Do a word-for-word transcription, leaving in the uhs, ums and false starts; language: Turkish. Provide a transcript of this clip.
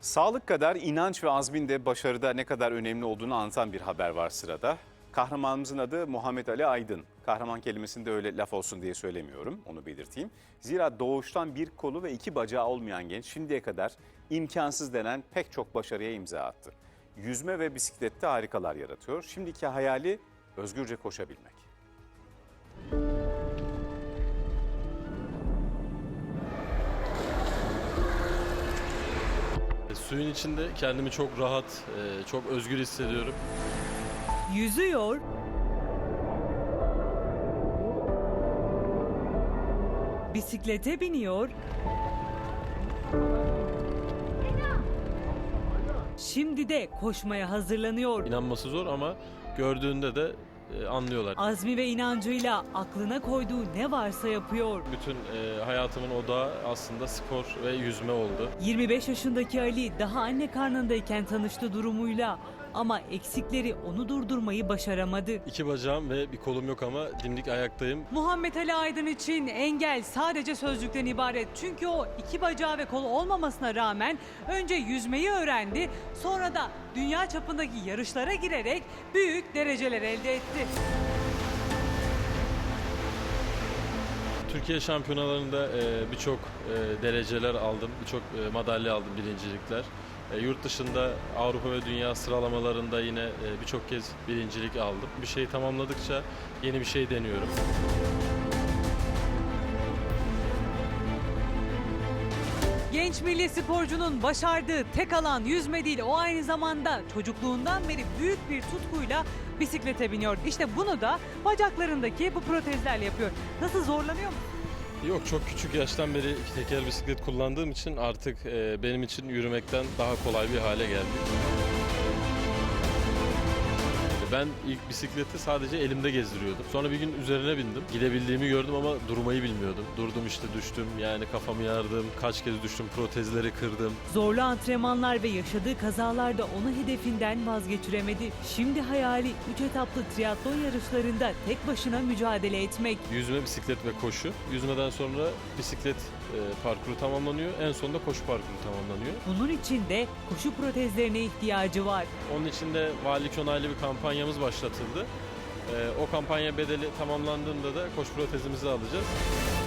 Sağlık kadar inanç ve azmin de başarıda ne kadar önemli olduğunu anlatan bir haber var sırada. Kahramanımızın adı Muhammed Ali Aydın. Kahraman kelimesini de öyle laf olsun diye söylemiyorum, onu belirteyim. Zira doğuştan bir kolu ve iki bacağı olmayan genç şimdiye kadar imkansız denen pek çok başarıya imza attı. Yüzme ve bisiklette harikalar yaratıyor. Şimdiki hayali özgürce koşabilmek. Suyun içinde kendimi çok rahat, çok özgür hissediyorum. Yüzüyor, bisiklete biniyor, şimdi de koşmaya hazırlanıyor. İnanması zor ama gördüğünde de anlıyorlar. Azmi ve inancıyla aklına koyduğu ne varsa yapıyor. Bütün e, hayatımın odağı aslında spor ve yüzme oldu. yirmi beş yaşındaki Ali daha anne karnındayken tanıştı durumuyla ama eksikleri onu durdurmayı başaramadı. İki bacağım ve bir kolum yok ama dimdik ayaktayım. Muhammed Ali Aydın için engel sadece sözcükten ibaret. Çünkü o iki bacağı ve kolu olmamasına rağmen önce yüzmeyi öğrendi, sonra da dünya çapındaki yarışlara girerek büyük dereceler elde etti. Türkiye şampiyonalarında e, birçok e, dereceler aldım, birçok e, madalya aldım, birincilikler. E, yurt dışında Avrupa ve Dünya sıralamalarında yine e, birçok kez birincilik aldım. Bir şeyi tamamladıkça yeni bir şey deniyorum. Genç milli sporcunun başardığı tek alan yüzme değil, o aynı zamanda çocukluğundan beri büyük bir tutkuyla bisiklete biniyor. İşte bunu da bacaklarındaki bu protezlerle yapıyor. Nasıl, zorlanıyor mu? Yok, çok küçük yaştan beri iki teker bisiklet kullandığım için artık e, benim için yürümekten daha kolay bir hale geldi. Ben ilk bisikleti sadece elimde gezdiriyordum. Sonra bir gün üzerine bindim. Gidebildiğimi gördüm ama durmayı bilmiyordum. Durdum işte, düştüm. Yani kafamı yardım, kaç kez düştüm, protezleri kırdım. Zorlu antrenmanlar ve yaşadığı kazalarda onu hedefinden vazgeçiremedi. Şimdi hayali üç etaplı triatlon yarışlarında tek başına mücadele etmek. Yüzme, bisiklet ve koşu. Yüzmeden sonra bisiklet e, parkuru tamamlanıyor. En sonunda koşu parkuru tamamlanıyor. Bunun için de koşu protezlerine ihtiyacı var. Onun için de valilik onaylı bir kampanyamız başlatıldı. E, o kampanya bedeli tamamlandığında da koşu protezimizi alacağız.